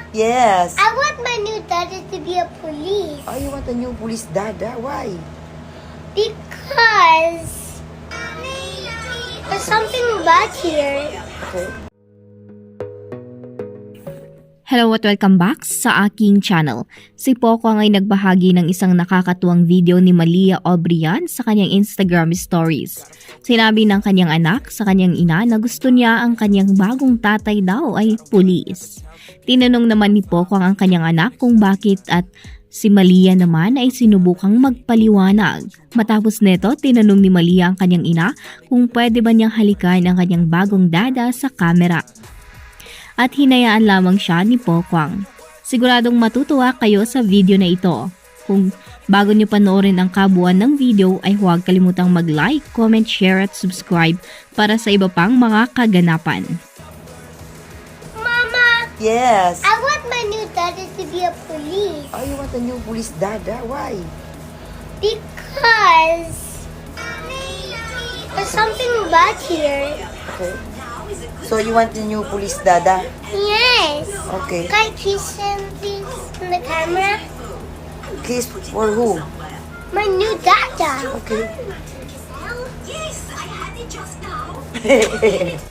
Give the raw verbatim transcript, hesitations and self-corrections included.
Yes. I want my new dada to be a police. Oh, you want a new police dada? Why? Because there's something bad here. Okay. Hello at welcome back sa aking channel. Si Poco ay nagbahagi ng isang nakakatuwang video ni Malia Obrian sa kanyang Instagram stories. Sinabi ng kanyang anak sa kanyang ina na gusto niya ang kanyang bagong tatay daw ay pulis. Tinanong naman ni Poco ang kanyang anak kung bakit at si Malia naman ay sinubukang magpaliwanag. Matapos nito, tinanong ni Malia ang kanyang ina kung pwede ba niyang halikan ang kanyang bagong dada sa kamera. At hinayaan lamang siya ni Pokwang. Siguradong matutuwa kayo sa video na ito. Kung bago niyo panoorin ang kabuuan ng video ay huwag kalimutang mag-like, comment, share at subscribe para sa iba pang mga kaganapan. Mama, Yes. I want my new dada to be a police. Oh, you want a new police dada? Why? Because there's something bad here. Okay. So you want a new police dada? Yes. Okay. Can I kiss him, please, in the camera? Kiss for who? My new dada. Okay. Yes, I had it just now.